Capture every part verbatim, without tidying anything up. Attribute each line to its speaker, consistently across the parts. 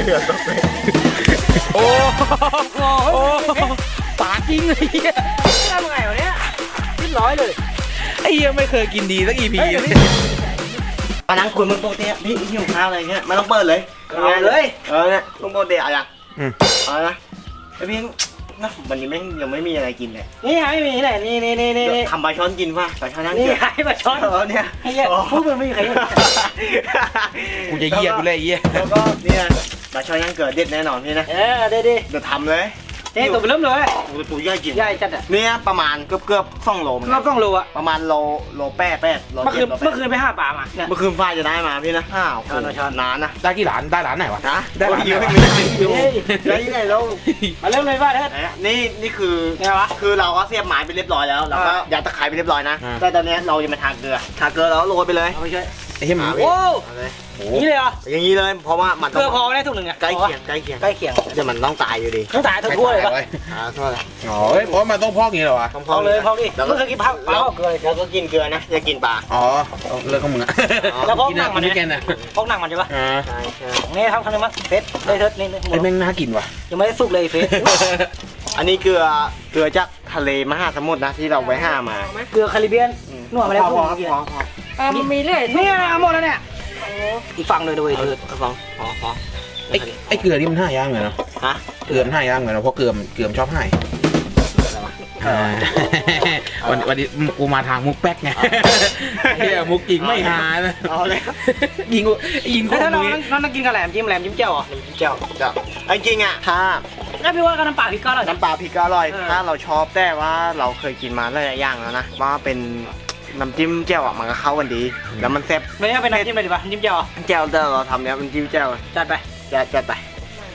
Speaker 1: เหือตกเลย
Speaker 2: โอ้โหปาจริงเลยเฮีย
Speaker 3: ทำไงวะเนี้ยขึ้นร้อยเลย
Speaker 2: ไอ้เฮียไม่เคยกินดีสักอีพีเลย
Speaker 1: มานั่งคุยมึงโปรตีนพี่หิวข้าวอะไรเงี้ยมาต้องเปิดเลยเอาเลยเออเนี่ยมึงโปรตีนอะไรอ่ะเอาละไอพี่นะวันนี้แม่งยังไม่มีอะไรกินเลย
Speaker 3: นี่ไงไม่มีแหละนี่นี่นี่นี่
Speaker 1: ทำปลาช้อนกินป่ะปลาช้อนนั่ง
Speaker 3: นี่
Speaker 1: เกี่ยว
Speaker 3: ไงปลาช้อน
Speaker 1: เออเนี่ย
Speaker 3: ไอ้เหี้ยพูดมันไม่มีใคร
Speaker 2: กูจะเยียกูเลยเยีย
Speaker 1: แล้วก็เนี่ยปลาช้อนย่างเกิดเด็ดแน่นอนพี่นะ
Speaker 3: เออได้ดิ
Speaker 1: เดี๋ยวทำเลย
Speaker 3: นี่ตัวเริ่มเลย
Speaker 1: ตัวใหญ่กิน
Speaker 3: ใหญ่จัดอ่ะ
Speaker 1: เนี่ยประมาณเกือบเกือบสองโล
Speaker 3: รอบต้องโลอ่ะ
Speaker 1: ประมาณโลโลแปดแปดโล
Speaker 3: เมื่อคื
Speaker 1: เจ็
Speaker 3: น
Speaker 1: ดโลแป
Speaker 3: เมื่อ
Speaker 1: ด
Speaker 3: คืนไปห้าป่ามาเนี่ย
Speaker 1: เมื่อคืนฟ้าจะได้มาพี่นะอ้าวนานนะ
Speaker 2: ได้กี่หลานได้หลานไหนวะ
Speaker 1: นะ
Speaker 2: ได้หลาน
Speaker 1: เยอะ
Speaker 2: ไหน
Speaker 1: ไม่
Speaker 2: วะ
Speaker 1: ได้อยู่ได้ยังไงแล้ว
Speaker 3: มาเริ่มเลยว่าเถิด
Speaker 1: นี่นี่คือ
Speaker 3: ไงวะ
Speaker 1: คือเราก็เสียบไม้ไปเรียบร้อยแล้วเราก็ยัดตะไคร้ไปเรียบร้อยนะแต่ตอนนี้เราจะมาทาเกลือทาเกลือแล้วโรยไปเลย
Speaker 3: เอาไปช่วย
Speaker 2: ไอ้เฮียมึง
Speaker 3: โอ้
Speaker 1: เอาเลย
Speaker 3: นี่เลยเหรอ
Speaker 1: อย่างนี้เลยเพราะว่ามัน
Speaker 3: เกลือพอไม่ได้ถุงหนึ่งอ่ะ
Speaker 1: ใกล้เคียงใกล้เคียง
Speaker 3: ใกล้เคียง
Speaker 1: เดี๋ยวมันต้องตายอยู่ดี
Speaker 3: ต้องตายทั้งทั่วเลยปะ
Speaker 1: อ่าโทษเลย
Speaker 2: อ๋อเพราะมันต้องพอกงี้เหรอวะ
Speaker 1: ต้อง
Speaker 3: พอเลยพอดิ
Speaker 1: แล้ว
Speaker 3: เมื่
Speaker 1: ก็
Speaker 3: อคืนกินปลาปลาเกลือเลย
Speaker 1: แล้วก็กินเกลือนะอย่ากินปลา
Speaker 2: อ๋อเลิกของมึงอะ
Speaker 3: แล้วพอก
Speaker 2: กิน
Speaker 3: หนั
Speaker 2: อะ
Speaker 3: งมัน
Speaker 2: กิน
Speaker 3: เนี่
Speaker 2: ด้วยกันอะ
Speaker 3: พอกหนังมันใช่ปะ
Speaker 2: อ่า
Speaker 1: ใช่ใช่
Speaker 3: นี่ทำครั้งนึงมั้งเฟสเลยเถิดนี่
Speaker 2: ไอ้แม่งน่ากินว่ะ
Speaker 3: ยังไม่ได้สุกเลยเฟส
Speaker 1: อันนี้เกลือเกลือจากทะเลมหาสมุทรนะที่เราไว้ห้ามา
Speaker 3: เกลือคาริเบียนนวดมาแล้ว
Speaker 1: พ
Speaker 3: พ
Speaker 1: อ
Speaker 3: วก
Speaker 1: ครับ
Speaker 3: เมื่อกี้
Speaker 1: พอพอ
Speaker 3: อ่ะมันมีเลยนี่นะหมดแล้วเนี่ยอีกฝั่งเลยด้วย
Speaker 1: เอา
Speaker 3: เถิด
Speaker 1: เอาพอพอพอ
Speaker 2: ไอ้ไอ้เกลือนี่มันห้าย่างเหมือนเนาะ
Speaker 1: ฮะ
Speaker 2: เกลือมันห้าย่างเหมือนเนาะเพราะเกลือมเกลือมชอบให้อ่าวันวันนี้กูมาทางมุกแป๊กไงเฮียมุกจริงไม่หานะ
Speaker 1: เอาเลย
Speaker 2: ยิงกูยิงกู
Speaker 3: ถ้าเรา
Speaker 2: มึง
Speaker 3: น้องกินกับแหลมจิ้มแหลมจิ้มเจ้าเหรอ
Speaker 1: เจ้าเจ้าจริงๆอ่ะถ้า
Speaker 3: งั้นพี่ว่ากับน้ำปลาพริกก็อร่อย
Speaker 1: น้ำปลาพริกก็อร่อย
Speaker 3: เออ
Speaker 1: ถ้าเราชอบแต่ว่าเราเคยกินมาหลายอย่างแล้วนะว่าเป็นน้ำจิ้มแจ่วอ่ะมันก็เข้ากันดี แล้วมันแซ่บ
Speaker 3: ไม่เอาเป็นน้ำจิ้มเลยดีป่ะจิ้มเจ้าเหรอ
Speaker 1: แจ่วแต่เราทำเนี้ยมันจิ้มแจ่ว
Speaker 3: จัดไป
Speaker 1: จะจะไป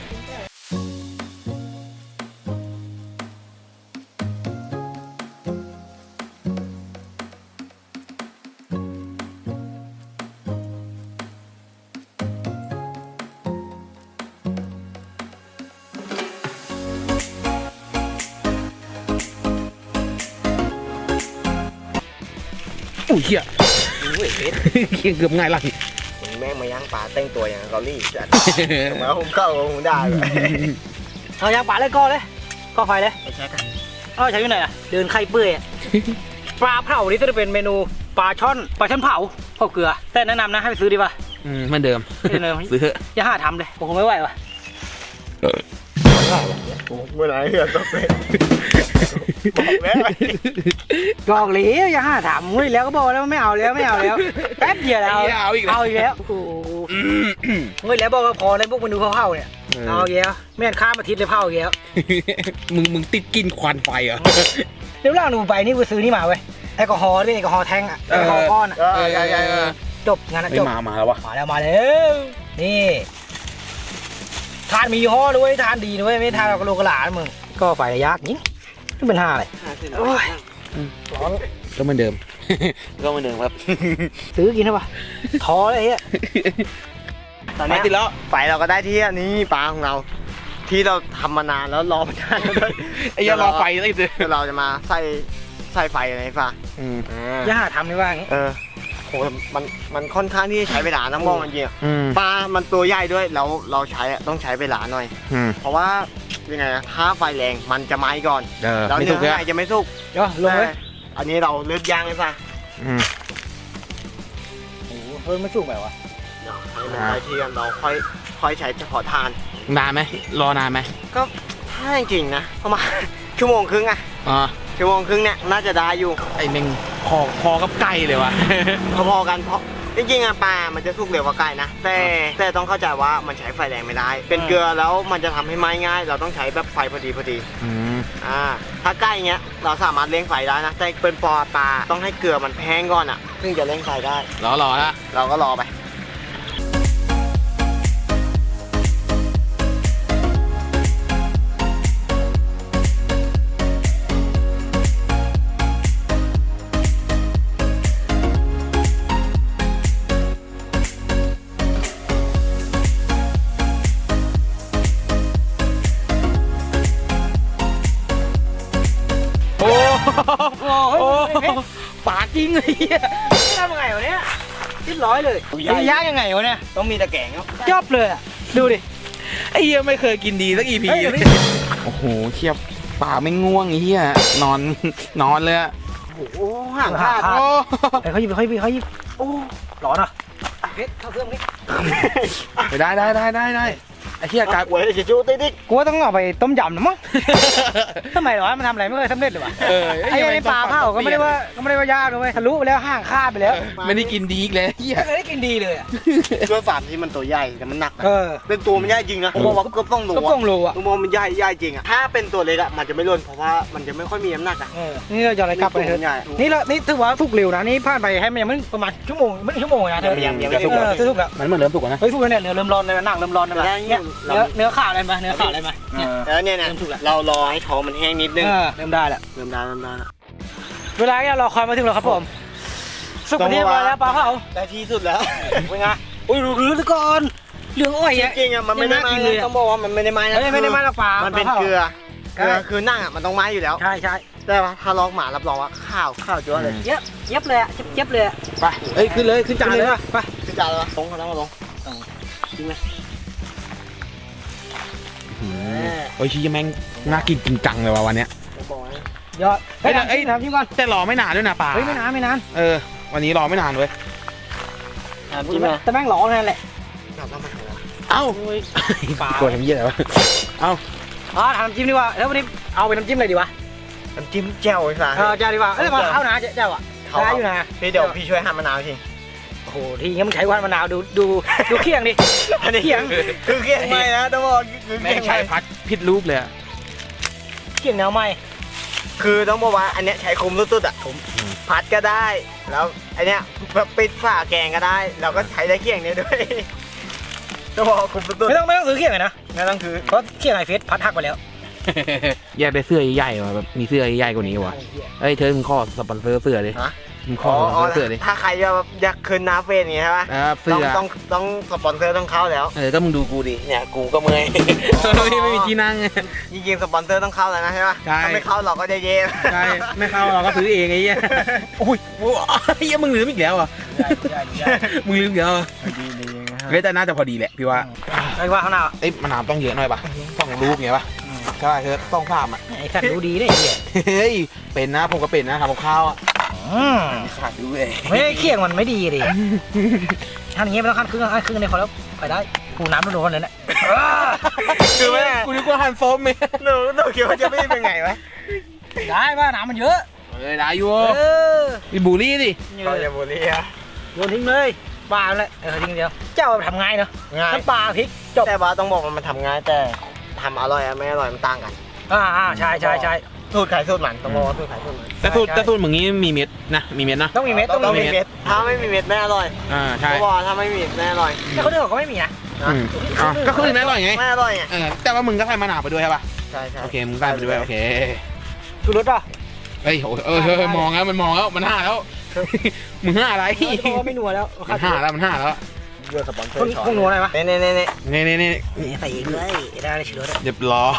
Speaker 2: อุ้ยเฮียเฮียเกือบง่ายละ
Speaker 1: ผมแม่งมาย่างปลาแต่งตัวอย่างเกาหลีจัดมาผมเข้าผมได้เลย
Speaker 3: เอายางปลาเลยก็เลยก็ไฟเลย
Speaker 1: ไปแช็คกัน
Speaker 3: เอาใช้ที่ไหนอ่ะเดินไข่เปื่อยปลาเผานี่จะเป็นเมนูปลาช่อนปลาช่อนเผาเผาเกลือแต่แนะนำนะให้ไปซื้อดีป่ะ
Speaker 2: อืมเหมือนเดิม
Speaker 3: เหมือนเดิม
Speaker 2: ซื้อเถอะ
Speaker 3: อย่าหาทำเลยผมคงไม่ไหวว่ะ
Speaker 1: เมื่อไหร่เหือตกเลยบอกแล้ว
Speaker 3: บอกเลยอย่าหาทำเฮ้ยแล้วก็บอกแล้วไม่เอาแล้วไม่เอาแล้วแป๊บเดียวแล้ว
Speaker 2: เอาอีกแล้ว
Speaker 3: เอาอีกแล้วโอ้โหเฮ้ยแล้วบอกว่าพอในพวกเมนูเผาๆเนี่ยเอาอีกแล้วแม่นข้ามอาทิตย์เลยเผาอีกแล้ว
Speaker 2: มึงมึงติดกินควันไฟเหรอ
Speaker 3: เดี๋ยวล่างหนูไปนี่กูซื้อนี่มาเว้ยแอลกอฮอล์ด้วยแอลกอฮอล์แท่งอะแอลกอฮอล์ก้อนอะ
Speaker 1: เออใช่ใช่
Speaker 3: จบงานอะ
Speaker 2: ไม่
Speaker 3: จบ
Speaker 2: มามาแล้ววะ
Speaker 3: มาแล้วมาแล้วนี่ทานมียี่ห้อด้วยทานดีด้วยไม่ทานเรากระโหลกกระหลานมึงก็ไฟระยะยิงไม่เป็นห้าเลยโอ้ย
Speaker 2: ก็เหมือนเดิม ก็เหมือนเดิมครับ
Speaker 3: ซื้อกินได้ปะท้อเลยเฮีย
Speaker 1: ตอนนี้
Speaker 2: ติดแล้ว
Speaker 1: ไฟเราก็ได้ที่อันนี้ปลาของเรา ที่เราทำมานานแล้วรอมานานแล้วด้วย
Speaker 2: ไอ้ยารอไฟได้สิ
Speaker 1: เดี๋ยวเราจะมาใส่ใส่ไฟอะไรฟ้า
Speaker 2: อืม
Speaker 3: อย่าหาทำนี่ว่าอย่างงี้
Speaker 1: เออโหมันมันค่อนข้างที่จะใช้เวลานะมองมันจริงอะ
Speaker 2: อืม
Speaker 1: ปลา มันตัวใหญ่ด้วยแล้วเราใช้อะต้องใช้เวลาหน่อย
Speaker 2: อืม
Speaker 1: เพราะว่ายังไงนะถ้าไฟแรงมันจะไหม้ก่อน
Speaker 2: เออ
Speaker 1: แล้ว
Speaker 2: ไม่
Speaker 1: เนื้
Speaker 2: ถู
Speaker 1: อก
Speaker 2: เลย
Speaker 1: ข้างในจะไม่สุก
Speaker 3: เดี๋ยวลงเลย
Speaker 1: อันนี้เราเลือกย่างเลยป่ะ
Speaker 2: อืม
Speaker 3: โอ้โหเพิ่มไม่สุกแบบวะ
Speaker 1: เดี๋ยวให้มันได้ที่กันเราค่อยค่อยใช้เฉพาะทาน
Speaker 2: นานไหมรอนานไหม
Speaker 1: ก็ถ้าจริงๆนะประมาณ ชั่วโมงครึ่งอะ
Speaker 2: อ๋อ
Speaker 1: ชั่วโมงครึ่งเนี่ยน่าจะได้อยู่
Speaker 2: ไอ้เมงพอพอกับไก่เลยวะ
Speaker 1: พอๆกันเพราะจริงๆอะปลา มันจะสุกเร็วกว่าไก่นะ แต่แต่ต้องเข้าใจว่ามันใช้ไฟแรงไม่ได้ เป็นเกลือแล้วมันจะทำให้ไหม้ง่าย เราต้องใช้แบบไฟพอดีพอดี
Speaker 2: อืม
Speaker 1: อ่า ถ้าใกล้เงี้ยเราสามารถเลี้ยงไฟได้นะ แต่เป็นปอปลาต้องให้เกลือมันแห้งก่อนอะถึงจะเลี้ยงไฟได้
Speaker 2: รอรอละ
Speaker 1: เราก็รอไป
Speaker 2: โอ้
Speaker 3: โอ้ย
Speaker 2: ปาจริงเลยเฮีย
Speaker 3: ทำไงวะเนี้ยคิดร้อยเลย
Speaker 1: ใหญ่
Speaker 3: ยากยังไงวะเนี่ย
Speaker 1: ต้องมีตะแกรงครับ
Speaker 3: จบเลยอะดูดิ
Speaker 2: ไอ้เหี้ยไม่เคยกินดีสักอีพีโอ้โหเทียบป่าไม่ง่วงไอ้เหี้ยนอนนอนเลยอะ
Speaker 1: โอ้โหห่างขาด
Speaker 2: โอ้
Speaker 3: เขาหยิบเขาหยิบเขาหยิบโอ้ร้อนอ่ะเพชรเข้าเครื่องนี้
Speaker 2: ได้ได้ได้ได้ได้ไอ้เหี้ยกลาย
Speaker 1: หวยจะจูติ๊กติ๊ก
Speaker 3: กูว่าต้องเอาไปต้มยำนะมั้งทำไมหรอมันทำอะไรไม่เคยสำเร็จเลยวะ
Speaker 2: เออ
Speaker 3: ไอ้ไอ้ปลาเผาก็ไม่ได้ว่าก็ไม่ได้ว่ายากเลยทะลุไปแล้วห่างคาดไปแล้ว
Speaker 2: ไม่ได้กินดีอีกแล้วเหี้ย
Speaker 3: ไม่ได้กินดีเลยอ่ะ
Speaker 1: ด้วยฝาที่มันตัวใหญ่แต่มันหนัก
Speaker 3: เออ
Speaker 1: เป็นตัวมันใหญ่จริงนะผมบอกว่าเกือบต้องโล
Speaker 3: ก็
Speaker 1: อะ
Speaker 3: ต้องโลอ่ะ
Speaker 1: ผมมองมันใหญ่ใหญ่จริงอะถ้าเป็นตัวเล็กอะมันจะไม่ร่นเพราะว่ามันจะไม่ค่อยมีน้ำหนักอะ
Speaker 3: เออนี่เราจะอะไรกลับไปเถอะนี่เรานี่ถือว่าทุกเร็วนะนี่ผ่านไปให้มันยังไม่ประมาณชั่วโมงไม่ชั่วโมงนะเธอ
Speaker 1: ยังยัง
Speaker 3: เอ
Speaker 1: ไม่สุก
Speaker 3: อทุกแล้ว
Speaker 2: มันเหมือนเริ่มสุกแล้วนะ
Speaker 3: เฮ้ยทุกแล้วเนี่ยเนื้อเริ่มร้อนเลยหนังเริ่มร้อนเลยเนี่ยเนื้อเนื้อขาดอะไรมาเนื้อขาดอะไรมาเนี่ย
Speaker 1: แล้วเนี่ยนะเรารอให้ท้องมันแห้งนิดนึง
Speaker 3: เออเริ่มได้แล้ว
Speaker 1: เริ่มได้เริ่มได้แล้ว
Speaker 3: เวลาเนี่ยรอคอยมาถึงแล้วครับผมสุกที่มาแล้วปลาเผา
Speaker 1: ได้ที่สุดแล้ว
Speaker 3: เป็นไงอุ้ยรื้อๆก่อนเหลืองอ้อย
Speaker 1: จ
Speaker 3: อ่ะ
Speaker 1: ริงๆอะมันไม่ได้ไหม้นะต้องบอกว่ามันไม่ได้ไหม้นะ
Speaker 3: เฮ้ยไม่ได้มาแล้วปลา
Speaker 1: มันเป็นเกลือเกลือคือนั่งอะมันต้องไหม้อยู่แล้ว
Speaker 3: ใช่ใช่
Speaker 1: ได้ปะถ้าลอกหมารับรองว่าข้าวข้าวจ้วเลย
Speaker 3: เย็บเย็บเลยอ่ะเย็บเลยอ่ะ
Speaker 2: ไปเอ้ยขึ้นเลยขึ้นจานเลย
Speaker 3: ไป
Speaker 1: คือจานแล้วลงเขาแล้วมาลงจริงไหม
Speaker 2: โอ้ยชี้แม่งน่ากินจริงจังเลยว่ะวันเนี้ย
Speaker 1: บอกให้
Speaker 3: ยอดเฮ้ยเฮ้ยน้ำจิ้มก่อน
Speaker 2: แต่รอไม่นานด้วยนะป่า
Speaker 3: เฮ้ยไม่นานไม่นาน
Speaker 2: เออวันนี้รอไม่นานเว้ย
Speaker 1: จริงไหม
Speaker 3: แต่แม่งร้อนนั่นแหละ
Speaker 1: กลับแล้วมา
Speaker 2: เอ้า
Speaker 3: ปลา
Speaker 2: โกรธทำเยี่ยอะไรวะเอ้า
Speaker 3: อ๋อทำน้ำจิ้มดีกว่าแล้ววันนี้เอาเป็นน้ำจิ้มอะไรดีวะ
Speaker 1: น้ำจิ้มแจ่วไอ้สัส
Speaker 3: เออเจ้าดีกว่าเอ้ยมาเข้านะเจ้าอ่ะได้อยู่นะ
Speaker 1: พี่เดี๋ยวพี่ช่วยหั่นมะนาวที
Speaker 3: โอ้โหทีงี้มันใช้วันมะนาวดูดูดูเคียงดิ
Speaker 1: อันนี้
Speaker 3: เคียง
Speaker 1: คือเคียงไม่นะต้องบอกคือ
Speaker 2: แม่
Speaker 1: เคีย
Speaker 2: ง
Speaker 1: ง
Speaker 2: ใช้
Speaker 1: ไม่
Speaker 2: พัดผิดรูปเลยอะ
Speaker 3: เคียงแนวใหม่
Speaker 1: คือต้องบอกว่าอันเนี้ยใช้คุมสุดๆอ่ะพัดก็ได้ แล้วอันเนี้ยแบบปิดฝาแกงก็ได้เราก็ใช้ได้เคียงเนี้ยด้วยต้องบอกว่าคุมสุด
Speaker 3: ไม่ต้องไม่ต้องซื้อเคียงเลยนะ
Speaker 1: ๆนั่นต้องคือ
Speaker 3: เพราะเคียงไอเฟสพัดหักไปแล้ว
Speaker 2: อยากได้เสื้อใหญ่ๆว่ะแบบมีเสื้อใหญ่ๆกว่านี้ว่ะเอ้ยเธอมึงขอสปอนเซอร์เสื้อดิ
Speaker 1: ฮะ
Speaker 2: มึงข
Speaker 1: อ๋
Speaker 2: อ
Speaker 1: อ
Speaker 2: สปอนเซอร์เสื้อดิ
Speaker 1: ถ้าใครแบบอยากคืนน้าเฟนอย่างเงี้ยใช่ปะ
Speaker 2: เออเสื้
Speaker 1: ต้อง
Speaker 2: อ
Speaker 1: ต้องต้องสปอนเซอร์ต้องเข้าแล้ว
Speaker 2: เออก็มึงดูกูดิเนี่ยกูก็เมื่อยไม่ไม่มีที่นั่ง
Speaker 1: จริงๆสปอนเซอร์ต้องเข้าแล้วนะใช่ปะ
Speaker 2: ใช่
Speaker 1: ถ้าไม่เข้าเราก็จะเย่
Speaker 2: ใช่ไม่เข้าเราก็ซื้อเองไอ้เหี้ยอุ้ยเหี้ยมึงลืมอีกแล้วอ่ะมึงลืมอีกแล้วอ่ะ
Speaker 1: ดีดีนะ
Speaker 2: เฮ้ยแต่น่าจะพอดีแหละพี่ว่า
Speaker 3: ไอ้ว่าข้างหน้า
Speaker 2: เอ้ยมะนาวต้องเยอะหน่อยป่ะต้องรูปไงป่ะใช่เธอต้องภาพอ่ะ
Speaker 3: ไอ้สัตว์ดูดีได้ไอ้เหี้ย
Speaker 2: เฮ้ยเป็นนะผมก็เป็นนะทำกับข้าวอ่ะ
Speaker 3: อืม
Speaker 2: ขาดดูเอง
Speaker 3: ไม่ได้เคียงมันไม่ดีดิทำอย่างเงี้ยไม่ต้องขั้นครึ่งขั้นครึ่งในพอแล้วไปได้กูน้ำโดนๆเลยนะ
Speaker 1: คือไม่
Speaker 2: กูนึกว่าหั่นส้มไหม
Speaker 1: หนูหนูคิดว่าจะไม่เป็นไงวะ
Speaker 3: ได้ว่าน้ำมันเยอะ
Speaker 2: เออได้อยู่
Speaker 3: เออ
Speaker 2: มีบูลลี่ดิ
Speaker 1: เราจะบุรีอะ
Speaker 3: โยนทิ้งเลยปลาเลยเออทิ้งเดียวเจ้าทำง่ายเนาะ
Speaker 1: ง่าย
Speaker 3: น้ำปลาพริกจบ
Speaker 1: แต่ว่าต้องบอกว่ามันทำง่ายแต่ทำอร่อยอะไม่อร่อยมันต่างกัน
Speaker 3: อ่าอ่าใช่ใช่ใช่
Speaker 1: สูตรขายสูตรมันต้องบอกว่าสูตรขายสูตรมัน
Speaker 2: แต่สูตรแต่สูตรมึงนี้มีเม็ดนะมีเม็ดนะ
Speaker 3: ต้องมีเม็ดต้อง
Speaker 1: ต้อง
Speaker 3: มี
Speaker 1: มี
Speaker 3: เม็ด
Speaker 1: เม็ดถ้าไม่มีเม็ดไม่อร่อย
Speaker 2: อ่าใช่
Speaker 1: ต้องบอกว่าถ้าไม่มีเม็ดไม่อร่อย
Speaker 3: แต่คนอื่นเขาก็ไม่มีนะ
Speaker 1: นะ
Speaker 2: อืมอ่ะก็คือไม่อร่อยไง
Speaker 1: ไม่อร่อยไง
Speaker 2: เออแต่ว่ามึงก็ใส่มะนาวไปด้วยใช่ป่ะ
Speaker 1: ใช่ใช่
Speaker 2: โอเคมึงใส่ไปด้วยโอเค
Speaker 3: ชูรสป่ะ
Speaker 2: เฮ้ยโอ้ยเออเออมองแล้วมันมองแล้วมันห้าแล้วมึงห้าอะไร
Speaker 3: เพราะว่าไม่นัวแล้ว
Speaker 2: มันห้าแล้วมันห้าแล้ว
Speaker 1: เยอะสปอนเซอ
Speaker 3: คน
Speaker 1: ร์ช้อน
Speaker 3: คงนัวอะไรปะ
Speaker 1: เน่เน่เน่เน่
Speaker 2: นี่นี่นี่
Speaker 3: ใส่เองเลยได้เลยชูรส
Speaker 2: เรียบร้อย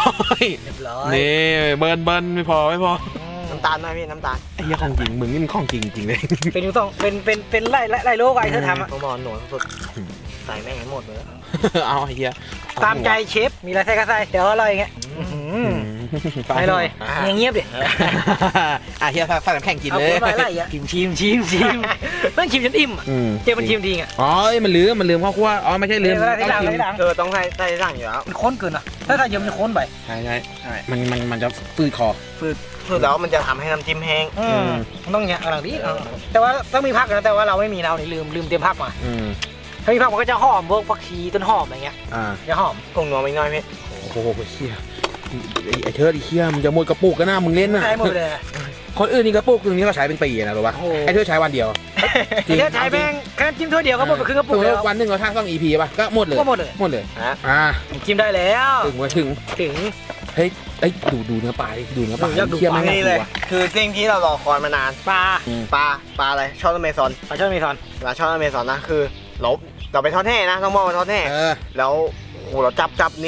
Speaker 3: เรียบร้อย
Speaker 2: นี่เบิร์นเบิร์นไม่พอไม่พอ
Speaker 1: น้ำตาลหน่อยพี่น้ำตาล
Speaker 2: ไอ้เหี้ยของจริงมึงนี่มันของจริงจริงเลย
Speaker 3: เป็นอยู่สองเป็นเป็นเป็นไล่ไล่ไล่โลกไอ้เธอทำอะ
Speaker 1: ต้องบอกหนูสุดใส่แม่งให้หมดเลย
Speaker 2: เอาไอ้เหี้ย
Speaker 3: ตามใจเชฟมีอะไรใส่ก็ใส่เดี๋ยวอร่อยอย่างเงี้ยอร่อยอย่างเงียบดิ
Speaker 2: อ่ะเฮียใส่น้ำแข็งกิน
Speaker 3: เอา
Speaker 2: เลย
Speaker 3: คนไปไล่อ่ะชิมชิมชิมชิมต้องชิมจนอิ่มอะ
Speaker 2: อืม
Speaker 3: เจมันชิมทีอ่ะ
Speaker 2: อ๋อมันลืมมันลืมข้าวคั่วอ๋อไม่ใช่ลืม
Speaker 3: เวลาที่หลัง
Speaker 2: ต้อง
Speaker 3: ที่หลัง
Speaker 1: เออต้องใส่ใส่สั่งอยู่แล้ว
Speaker 3: มันข้นเกินอ่ะถ้าใส่เยอะมันจะข้นไป
Speaker 2: ใช่ใช่
Speaker 1: ใช่
Speaker 2: มันมันมันจะฟืดคอ
Speaker 1: คือคือแล้วมันจะทำให้น้ำจิ้มแห้ง
Speaker 3: อืมต้องอย่างหลังนี้แต่ว่าต้องมีผักนะแต่ว่าเราไม่มีเราเนี่ยลืมลืมเตรียมผักมา
Speaker 2: อืม
Speaker 3: ถ้ามีผักมันก็จะหอมพวกผักชีต้นหอมอะไรเงี้ย
Speaker 2: อ่า
Speaker 3: จะหอม
Speaker 1: กงนัวไม่น้อยพี่
Speaker 2: โอ้โหเฮียไอ้ไอ้เชิดไอ้เฮียมึงจะหมดกระปุกกันนะมึงเล่นน่ะ
Speaker 3: ใช้หมดเลย
Speaker 2: คนอื่นนี่กระปุกตรงนี้ก็ใช้เป็นปีนะรู้ป่ะ
Speaker 3: โอ้โห
Speaker 2: ไอ้เชิดใช้วันเดียว จริง
Speaker 3: แค่ใช้แป้งแค่จิ้มถ้วยเดียวก็หมดไปครึ่งกระปุก
Speaker 2: สมมุ
Speaker 3: แล้
Speaker 2: ติ
Speaker 3: ว
Speaker 2: วันหนึ่งเราทั้งต้องอีพีป่ะก็หมดเลย
Speaker 3: ก็หมดเลย
Speaker 2: หมดเลย
Speaker 1: นะ
Speaker 2: อ่า
Speaker 3: จิ้มได้แล้ว
Speaker 2: ถึงไว้ถึง
Speaker 3: ถึง
Speaker 2: เฮ้ยเอ้ยดูดูเนื้อปลาดิดูเนื้อปลา
Speaker 3: อยากดู
Speaker 2: เคี่ยว
Speaker 3: ปลา
Speaker 2: ไม่
Speaker 1: นี่
Speaker 2: น่า
Speaker 1: เล
Speaker 2: ก
Speaker 1: ย
Speaker 2: ลัว
Speaker 1: คือสิ่งที่เรารอคอยมานาน
Speaker 3: ปลา
Speaker 1: ปลาปลาอะไรช่อนอเมซอน
Speaker 3: ปลาช่อนเมซอน
Speaker 1: ปลาช่อนอเมซอนนะคือเราเราไปทอดแห่นะต้องบอกว่าทอดแห่
Speaker 2: เออ
Speaker 1: แล้วโอ้โหเราจับจับนี่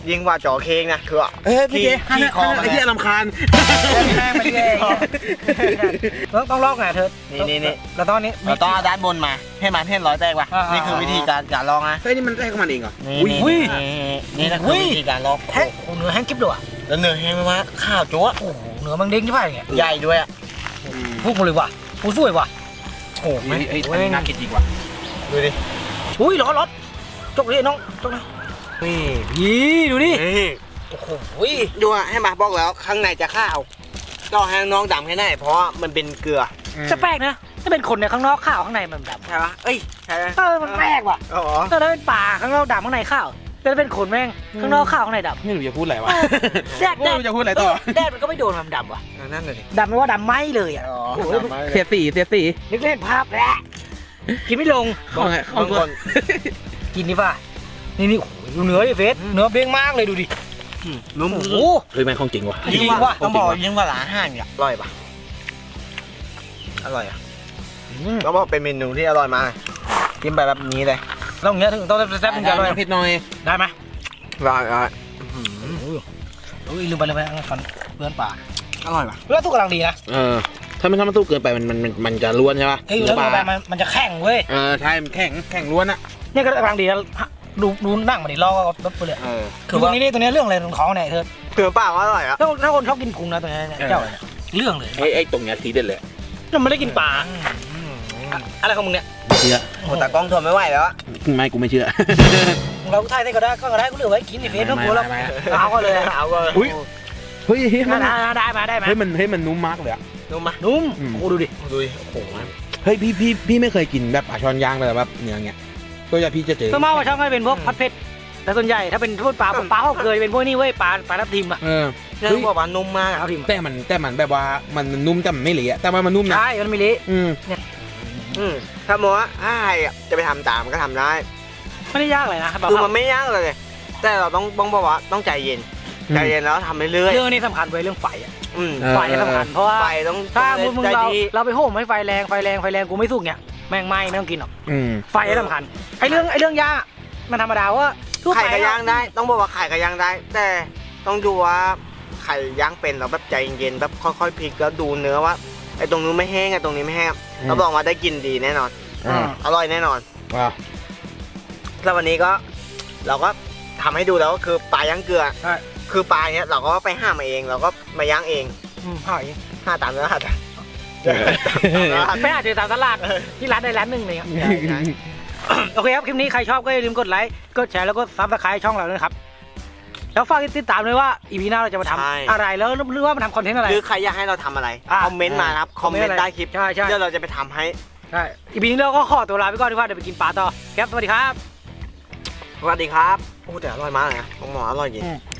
Speaker 1: ยิ่งกว่าจอเค้งนะคือ
Speaker 2: เอ้ยพี่เจ
Speaker 1: ขี้คอมัน
Speaker 2: ไอ้เหี้ยลำคาญ
Speaker 3: แม่งไปเรื่อยต้องต้องลอกไงเธอ
Speaker 1: นี่นี่นี่
Speaker 3: แล้วตอนนี้
Speaker 1: เราต้องเอาด้านบนมาให้มันให้ร้อยแตกว่ะ
Speaker 3: อ่านี่
Speaker 1: นี่คือวิธีการการลองนะ
Speaker 2: เฮ้ยนี่มันได้ของมันเองเหรอ
Speaker 1: นี่
Speaker 2: อุ้ย
Speaker 1: นี่นี่นี่นะคือวิธีการลอง
Speaker 3: แห้งโอ้เนื้อแห้งกิ๊บเลยว่ะ
Speaker 1: แล้วเนื้อแห้งไหมวะข้าวจั๊ว
Speaker 3: โอ้โหเนื้อมันเด้งใช่ไหมเนี่ย
Speaker 1: ใหญ่ด้วยอ่ะ
Speaker 3: พูดมาเลยว่ะโอ้สวยว่ะ
Speaker 2: โอ้โหไอ้อันนี้น่ากินจริงว่ะ
Speaker 1: ดูดิ
Speaker 3: อุ้ยร้อนร้อนจกเลยน้องจกเลย
Speaker 1: นี่
Speaker 3: ยี่ดูดิ
Speaker 1: นี่
Speaker 3: โอ้โห
Speaker 1: ดูอ่ะให้มาบอกแล้วข้างในจะข้าวก็ให้น้องดำแค่ไหนเพราะว่ามันเป็นเกลือ
Speaker 3: จะแปลกนะถ้าเป็นคนในข้างนอกข้าวข้างในมันดำ
Speaker 1: ใช่ปะเอ้ยใช่ไหม
Speaker 3: เออมันแปลกว่ะ
Speaker 1: อ๋อ
Speaker 3: ถ้าเป็นป่าข้างนอกดำข้างในข้าวแต่ถ้าเป็นคนแม่งข้างนอกข้าวข้างในดำ
Speaker 2: ไม่รู้จะพูดอะไรวะ
Speaker 3: แดด
Speaker 2: ไม่รู้จะพูดอะไรต่อ
Speaker 3: แดดมันก็ไม่โดนมันดำว่ะ
Speaker 1: นั่นเลย
Speaker 3: ดำไม่ว่าดำไหมเลยอ่ะ
Speaker 1: อ๋อ
Speaker 3: โอ้โห
Speaker 2: เสียสีเสียสี
Speaker 3: นึกเล่นภาพแล้วกินไม่ลง
Speaker 2: ของไงของ
Speaker 1: บาง
Speaker 2: ค
Speaker 1: คน น
Speaker 3: กินดิป่ะนี่นี่โอ้โหดูเนื้อดิเฟสเนื้อเบ้งมากเลยดูดิ
Speaker 1: นุ่ม
Speaker 3: โอ้โห
Speaker 2: เฮ้ยแม่งของจริงว่ะ
Speaker 1: ยิ่ง
Speaker 3: จริง
Speaker 1: ว่า
Speaker 3: ว่ะ
Speaker 1: ต้องบอกยิ่งกว่าร้านอาหารอ่ะอร่อยปะอร่อยอ่ะต้องบอกเป็นเมนูที่อร่อยมากกินไปแบบนี้เลย
Speaker 3: ต้องอย่างเงี้ยถึงต้องแซ่บๆถึงจะอร่อย
Speaker 2: เผ็ดหน่อย
Speaker 3: ได้ไหม
Speaker 1: อร่อยอร่อย
Speaker 3: โอ้ยลืมไปเลยไปเอาฟันเพื่อนป่า
Speaker 1: อร่อยปะ
Speaker 3: แล้วทุกกำลังดีนะ
Speaker 2: เออถ้ามันถ้ามันสู้เกินไปมันมันมันมันจะล้วนใช่ปะ
Speaker 3: ไอ้อยู่แล้วลงไปมันมันจะแข็งเว้ย
Speaker 2: เออใช่มันแข็งแข็งล้วนอะ
Speaker 3: เนี่ยก็กำลังดีแล้วดูดูนั่งมาดิลอกรถไปเลย
Speaker 1: เออ
Speaker 3: คือพวกนี้นี่ตัวนี้เรื่องอะไรตรงท้องเนี่ยเธอ
Speaker 1: เกลือเปล่าก็อร่อยอ่ะ
Speaker 3: ถ้าถ้าคนชอบกินพุงนะตัวนี้เนี่ยเจ้าเนี่ยเรื่องเลย
Speaker 2: ไอ้ไอ้ตรงเนี้ยทีเด็ดเลย
Speaker 3: เราไม่ได้กินปลาอะไรของมึงเนี่ย
Speaker 2: ไม่เชื่อ
Speaker 1: โอ้แต่กล้องทนไม่ไหวแล้วอะ
Speaker 2: ไม่กูไม่เชื่อ
Speaker 3: เราถ่ายได้ก็ได้ก็ได้กูเหลือไว้กินในเฟซต้องกลัวแล้ว
Speaker 2: ไม่ไม่ไม่
Speaker 3: เอาก็เลย
Speaker 1: เอาก็
Speaker 2: อุ๊ย เฮ้ยเฮ้ยมัน
Speaker 3: ได้ได้มาได้ไหม
Speaker 2: เฮ้ยมันเฮ้ยมันนุ่มมากเลยอะ
Speaker 1: นุ่มมะ
Speaker 3: นุ่ม
Speaker 2: อืม
Speaker 3: โอ้ดูดิ
Speaker 1: ดูดิโอ้โห
Speaker 2: เฮ้ยพี่พี่พี่ไม่เคยกินแบบปลาช้อนย่างแต่แบบเนื้อเงี้ยก็จะพี่จะเจอ
Speaker 3: ส่วนมากว่าช่องก็เป็นพวกพัดเผ็ดแต่ส่วนใหญ่ถ้าเป็นพวกปลาปลาเขาเคยเป็นพวกนี้เว้ยปลาปลาทับทิมอะ
Speaker 2: เออ
Speaker 1: เรื่องบอกว่านุ่มมากอะ
Speaker 3: ทับทิม
Speaker 2: แต่มันแต่มันแบบว่ามันนุ่มแต่มันไม่เละแต่ว่ามันนุ่มนะ
Speaker 3: ใช่มันไม่เละ
Speaker 2: อืม
Speaker 1: อืมถ้ามองว่าถ้าใครอะจะไปทำตามก็ทำได้
Speaker 3: ไม่ได้ยากเลยนะ
Speaker 1: คือมันไม่ยากเลย แต่เราต้องต้องบอกว่าต้องใจเย็น ใจเย็นแล้วทำเรื่อย
Speaker 3: เรื่องนี้สำคัญเว้ยเรื่องไฟอะ
Speaker 1: ๆอืม
Speaker 3: ไฟสำคัญเพราะว่า
Speaker 1: ไฟต้อง
Speaker 3: ถ้า
Speaker 1: ต้อง
Speaker 3: มึง
Speaker 1: ใจ
Speaker 3: เรา
Speaker 1: ดี
Speaker 3: เราไปโหมให้ไฟแรงไฟแรงไฟแรงกูไม่สุกเนี่ยแม่งไหม้ไม่ต้องกินหรอก
Speaker 2: อืม
Speaker 3: ไฟสำคัญไอ้เรื่องไอ้เรื่องย่างอะมันธรรมดาว่าทั่วไป
Speaker 1: ไข่ก็ย่างได้ ต้องบอกว่าไข่ก็ย่างได้ แต่ต้องดูว่าไข่ย่างเป็นเราแบบใจเย็นๆแบบค่อยๆพลิกแล้วดูเนื้อว่าไอ้ตรงนู้นไม่แห้งไอ้ตรงนี้ไม่แห้งเราบอกว่าได้กินดีแน่นอน
Speaker 2: อ่า
Speaker 1: อร่อยแน่นอน
Speaker 2: ว้าว
Speaker 1: แล้ววันนี้ก็เราก็ทำให้ดูแล้วก็คือปลาย่างเกลือ
Speaker 3: ใช่
Speaker 1: คือปลาเนี้ยเราก็ไปห้ามาเองเราก็มาย่างเอง
Speaker 3: อืมหอย
Speaker 1: ห้าตามเนื้อหา
Speaker 3: ไม่อาจจะตามตลาดที่ร้านใดร้านหนึ่งเลยครับ โอเคครับคลิปนี้ใครชอบก็อย่าลืมกดไลค์กดแชร์แล้วก็ซับสไครต์ช่องเราด้วยนะครับแล้วฝากติดตามด้วยว่าอีพีหน้าเราจะมาทำอะไรแล้วหรือว่ามาทำคอนเทนต์อะไร
Speaker 1: หรือใครอยากให้เราทำอะไร
Speaker 3: อ่ะ
Speaker 1: คอมเมนต์มานะครับ คอมเมนต์ใต้คลิป
Speaker 3: ใช่ใช่
Speaker 1: เดี๋ยวเราจะไปทำให้
Speaker 3: ใช่อีพีนี้เราก็ขอตัวลาไปก่อนดีกว่าเดี๋ยวไปกินปลาต่อครับสวัสดีครับ
Speaker 1: สวัสดีครับ โอ้แต่อร่อยมากเลยนะของหมออร่อยจริง
Speaker 2: อืม